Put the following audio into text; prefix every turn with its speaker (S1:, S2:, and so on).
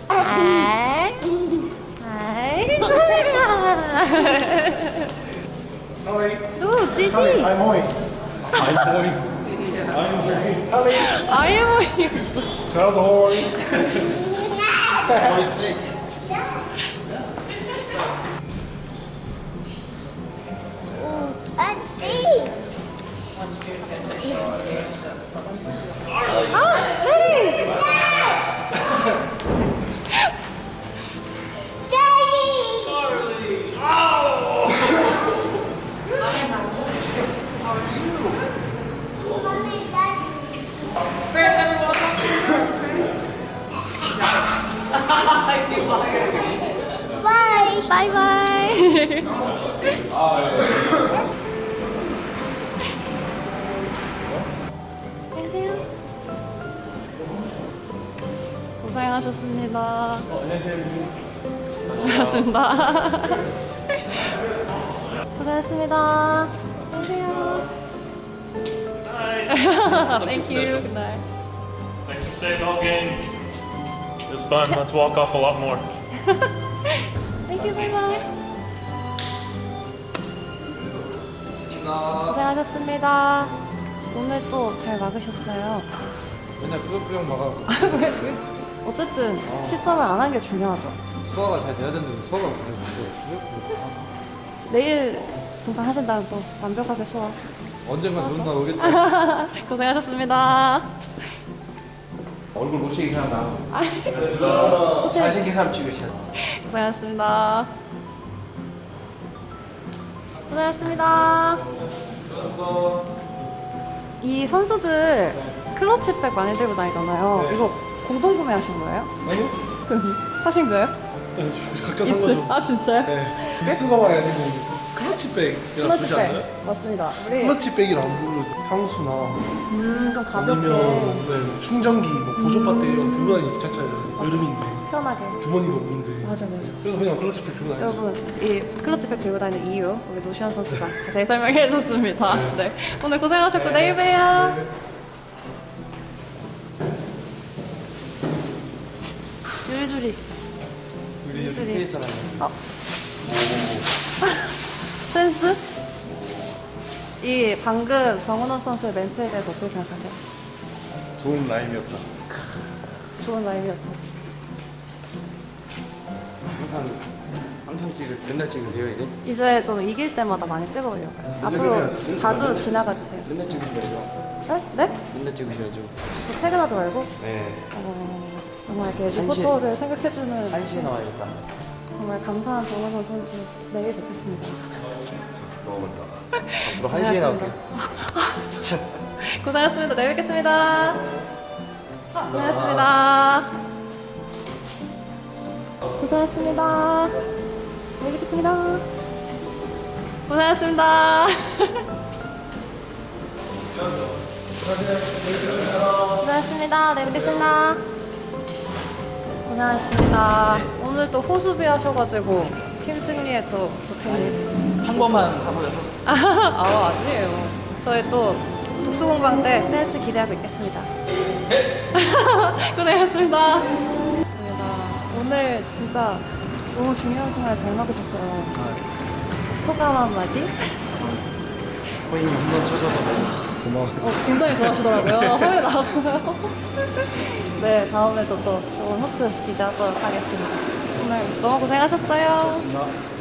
S1: 아이. 아이. 누 지지.
S2: I'm Hoi. I'm Hoi.
S1: 아이모이.
S2: Child Hoi. Hoi snake.
S3: What's this?
S1: 아, 네.
S3: Daddy! Mommy, Daddy. Bye.
S1: 바이바이. 안녕하세요. 고생하셨습니다.
S2: 안녕하세요.
S1: 고생하셨습니다. 고생하셨습니다. 안녕하세요. Thank you. Good night.
S4: Thanks for staying all game. It was fun. Let's walk off a lot more.
S1: Thank you. Bye bye. 고생하셨습니다. 오늘 또 잘 막으셨어요.
S5: 맨날 꾸역꾸역 막아고
S1: 어쨌든 시점을 안 한 게 중요하죠.
S5: 소화가 잘 돼야 되는데 소화가 잘 못돼요. 꾸역꾸역 하고
S1: 내일 등판하신다면 또 완벽하게 소화.
S5: 언젠가 좋은 날 오겠죠.
S1: 고생하셨습니다.
S5: 얼굴 못생긴 사람 나
S1: 코치
S5: 잘생긴 사람 찍으셔야
S1: 고생하셨습니다. 고생하셨습니다. 이 선수들 클러치백 많이 들고 다니잖아요. 이거 공동 구매하신 거예요?
S2: 아니요?
S1: 그럼 사신 거예요?
S2: 각자 산 거죠.
S1: 아 진짜요?
S2: 네. 미스가방이 아니고 클러치백이라고 부르지 않나요?
S1: 클러치백 맞습니다. 우리
S2: 클러치백이라 안 부르죠. 향수나
S1: 좀 가볍게
S2: 아니면 네, 충전기, 뭐 보조 배터리 이런 들고 다니기 귀찮잖아요. 여름인데
S1: 편하게.
S2: 주머니도 없는데.
S1: 맞아.
S2: 그래서 그냥 클러치백 들고 다니죠.
S1: 여러분 이 클러치백 들고 다니는 이유 우리 노시안 선수가 자세히 설명해 줬습니다. 네. 오늘 고생하셨고 내일 봬요. 유리주리.
S5: 우리
S1: 소리.
S5: 이렇게 했잖아요.
S1: 센스? 이 방금 정은원 선수의 멘트에 대해서 어떻게 생각하세요?
S2: 좋은 라임이었다.
S1: 좋은 라인이었다.
S5: 항상 찍을 맨날 찍으세요 이제?
S1: 이제 좀 이길 때마다 많이 찍어보려고요. 앞으로 자주 지나가 주세요.
S5: 맨날 찍으셔야죠.
S1: 네? 네?
S5: 맨날 찍으셔야죠.
S1: 저 퇴근하지 말고
S5: 네.
S1: 정말 이렇게
S5: 한 시에-
S1: 리포터를 생각해주는
S5: 1시에 나와야겠다.
S1: 정말 감사한 정은원 선수 내일 뵙겠습니다.
S5: 앞으로 1시에 나올게요.
S1: 진짜 고생하셨습니다. 내일 뵙겠습니다. 고생하셨습니다. 고생하셨습니다. 내일 뵙겠습니다. 고생하셨습니다. 고생하셨습니다. 내일 뵙겠습니다. 고생하셨습니다. 오늘 또 호수비 하셔가지고 팀 승리에 또 보탬이
S5: 한 번만 가보려서.
S1: 아니에요. 저희 또 독수공방 때 댄스 기대하고 있겠습니다. 고생하셨습니다. 고생하셨습니다. 오늘 진짜 너무 중요한 생활 잘 막으셨어요. 소감 한마디?
S2: 거의 홈런 쳐줘서 고마워요.
S1: 굉장히 좋아하시더라고요. 허리 나왔어요. 네, 다음에도 또 좋은 호투 기대하도록 하겠습니다. 오늘 너무 고생하셨어요.
S2: 고맙습니다.